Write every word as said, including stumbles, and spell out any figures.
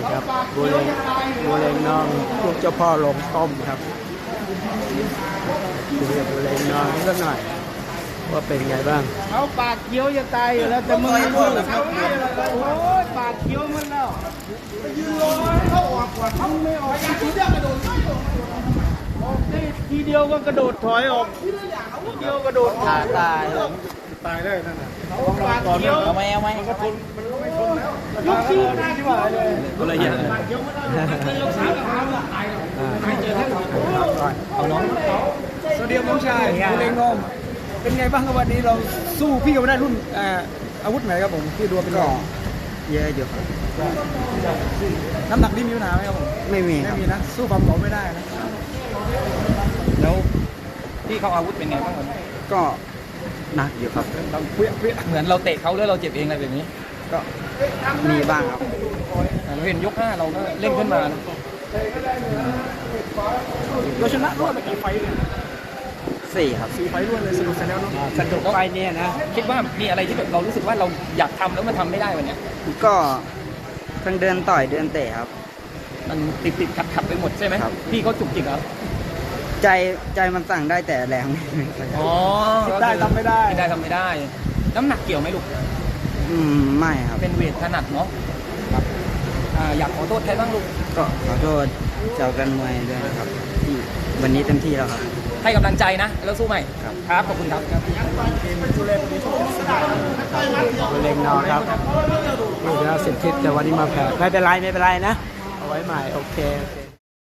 ครับบัวเลงบัวเลงน้องลูกเจ้าพ่อลงต้มครับดูเรียกบัวเลงน้องสักหน่อยว่าเป็นไงบ้างเขาปากเคี้ยวจะตายอยู่แล้วแต่มึงไม่รู้โอ้ยปากเคี้ยวมันแล้วยืนรอเขาออกก่อนเขาไม่ออกทีเดียวกระโดดออกได้ทีเดียวก็กระโดดถอยออกทีเดียวกระโดดตายตายตายได้นั่นน่ะเขาปากเคี้ยวเอาไหมเอาไหมมันก็ทนมันก็ไม่ทนแล้วยกชี้หน้าที่ว่าเลยก็เลยเยอะปากเคี้ยวมันแล้วยกสามขาตายตายเจอท่านเอาน้องสวัสดีน้องชายคุณเองงอมเป็นไงบ้างครับวันนี้เราสู้พี่กับได้รุ่นอาวุธไหนครับผมที่ดูเป็นรองเยอะอยู่ครับน้ำหนักนี่มีปัญหาไหมครับผมไม่มีไม่มีนะสู้ความเก่าไม่ได้นะแล้วพี่เขาอาวุธเป็นไงบ้างครับก็หนักอยู่ครับเราเปี้ยเปี้ยเหมือนเราเตะเขาแล้วเราเจ็บเองอะไรแบบนี้ก็มีบ้างครับเราเห็นยกห้าเราก็เล่นขึ้นมาเราชนะรวดไปกี่ไฟเลยสี่ครับสี่ไฟรวดเลยสนุกแล้วเนาะสนุกไฟเนี่ยนะคิดว่ามีอะไรที่แบบเรารู้สึกว่าเราอยากทำแล้วมันทำไม่ได้วันนี้ก็ทั้งเดินต่อยเดินเตะครับมันติดติดขัดขัดไปหมดใช่ไหมครับพี่เขาจุกจิกครับใจใจมันสั่งได้แต่แรงอ๋อได้ทำไม่ได้ได้ทำไม่ได้น้ำหนักเกี่ยวไหมลูกอืมไม่ครับเป็นเวทถนัดเนาะครับอยากขอโทษใครบ้างลูกก็ขอโทษเจ้ากันมวยด้วยนะครับที่วันนี้เต็มที่แล้วครับให้กำลังใจนะแล้วสู้ใหม่ครับครับขอบคุณครับผู้เล่นผู้เล่นนอครับลูกแล้วสิบทิศแต่วันนี้มาแพ้ไม่เป็นไรไม่เป็นไรนะเอาไว้ใหม่โอเค